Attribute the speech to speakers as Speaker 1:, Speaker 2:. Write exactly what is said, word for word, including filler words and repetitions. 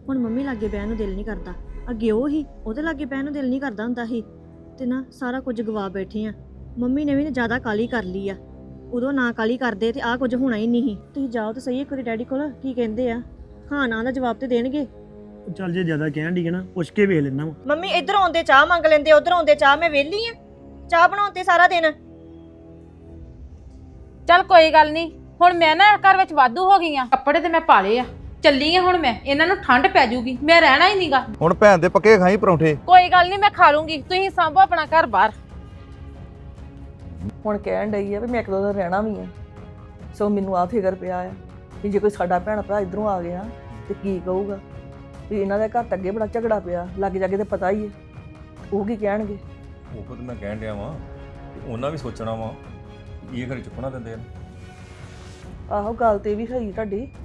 Speaker 1: ਹੁਣ ਮੰਮੀ ਲਾਗੇ ਬਹਿਣ ਨੂੰ ਦਿਲ ਨਹੀਂ ਕਰਦਾ। ਅੱਗੇ ਉਹ ਹੀ ਉਹਦੇ ਲਾਗੇ ਬਹਿਣ ਨੂੰ ਦਿਲ ਨਹੀਂ ਕਰਦਾ ਹੁੰਦਾ ਸੀ ਤੇ ਨਾ ਸਾਰਾ ਕੁਝ ਗਵਾ ਬੈਠੇ ਆ। ਮੰਮੀ ਨੇ ਵੀ ਨਾ ਜ਼ਿਆਦਾ ਕਾਲੀ ਕਰ ਲਈ ਆ। ਉਦੋਂ ਨਾ ਕਾਲੀ ਕਰਦੇ ਤੇ ਆਹ ਕੁਝ ਹੋਣਾ ਹੀ ਨਹੀਂ ਸੀ। ਤੁਸੀਂ ਜਾਓ ਤੇ ਸਹੀ ਇੱਕ ਵਾਰੀ ਡੈਡੀ ਕੋਲ, ਕੀ ਕਹਿੰਦੇ ਆ? ਹਾਂ ਨਾ ਦਾ ਜਵਾਬ ਤੇ ਦੇਣਗੇ।
Speaker 2: ਚੱਲ ਜੇ ਜ਼ਿਆਦਾ ਕਹਿਣ ਦੀ ਨਾ ਪੁੱਛ ਕੇ ਵੇਖ ਲੈਣਾ ਵਾ।
Speaker 1: ਮੰਮੀ ਇੱਧਰ ਆਉਂਦੇ ਚਾਹ ਮੰਗ ਲੈਂਦੇ, ਉੱਧਰ ਆਉਂਦੇ ਚਾਹ। ਮੈਂ ਵਿਹਲੀ ਆ ਚਾਹ ਬਣਾਉਂਦੇ ਸਾਰਾ ਦਿਨ।
Speaker 3: ਚੱਲ ਕੋਈ ਗੱਲ ਨਹੀਂ, ਹੁਣ ਮੈਂ ਨਾ ਘਰ ਵਿੱਚ ਵਾਧੂ ਹੋ ਗਈ ਆ। ਕੱਪੜੇ ਤੇ ਮੈਂ ਪਾ ਲਏ ਆ, ਚੱਲੀ ਆ ਹੁਣ ਮੈਂ। ਇਹਨਾਂ ਨੂੰ ਠੰਡ ਪੈ ਜਾਊਗੀ, ਮੈਂ ਰਹਿਣਾ ਹੀ ਨਹੀਂਗਾ।
Speaker 4: ਹੁਣ ਭੈਣ ਦੇ ਪੱਕੇ ਖਾਈ ਪਰੌਂਠੇ।
Speaker 3: ਕੋਈ ਗੱਲ ਨਹੀਂ, ਮੈਂ ਖਾ ਲੂੰਗੀ। ਤੁਸੀਂ ਸਾਂਭੋ ਆਪਣਾ ਘਰ ਬਾਹਰ।
Speaker 5: ਹੁਣ ਕਹਿਣ ਡਈ ਆ ਵੀ ਮੈਂ ਇੱਕ ਦੋ ਦਿਨ ਰਹਿਣਾ ਵੀ ਆ। ਸੋ ਮੈਨੂੰ ਆ ਫਿਕਰ ਪਿਆ ਆ ਵੀ ਜੇ ਕੋਈ ਸਾਡਾ ਭੈਣ ਭਰਾ ਇਧਰੋਂ ਆ ਗਿਆ ਤੇ ਕੀ ਕਹੂਗਾ ਵੀ ਇਹਨਾਂ ਦੇ ਘਰ ਤਾਂ ਅੱਗੇ ਬੜਾ ਝਗੜਾ ਪਿਆ, ਲੱਗ ਜਾ ਕੇ ਤੇ ਪਤਾ ਹੀ ਹੈ ਉਹ ਕੀ ਕਹਿਣਗੇ।
Speaker 6: ਉਹ ਤਾਂ ਮੈਂ ਕਹਿਣ ਡਿਆ ਵਾਂ ਤੇ ਉਹਨਾਂ ਵੀ ਸੋਚਣਾ ਵਾ ਇਹ ਘਰੇ ਚੁੱਕਣਾ ਦਿੰਦੇ ਆ।
Speaker 5: ਆਹੋ ਗੱਲ ਤੇ ਵੀ ਸਹੀ ਤੁਹਾਡੀ,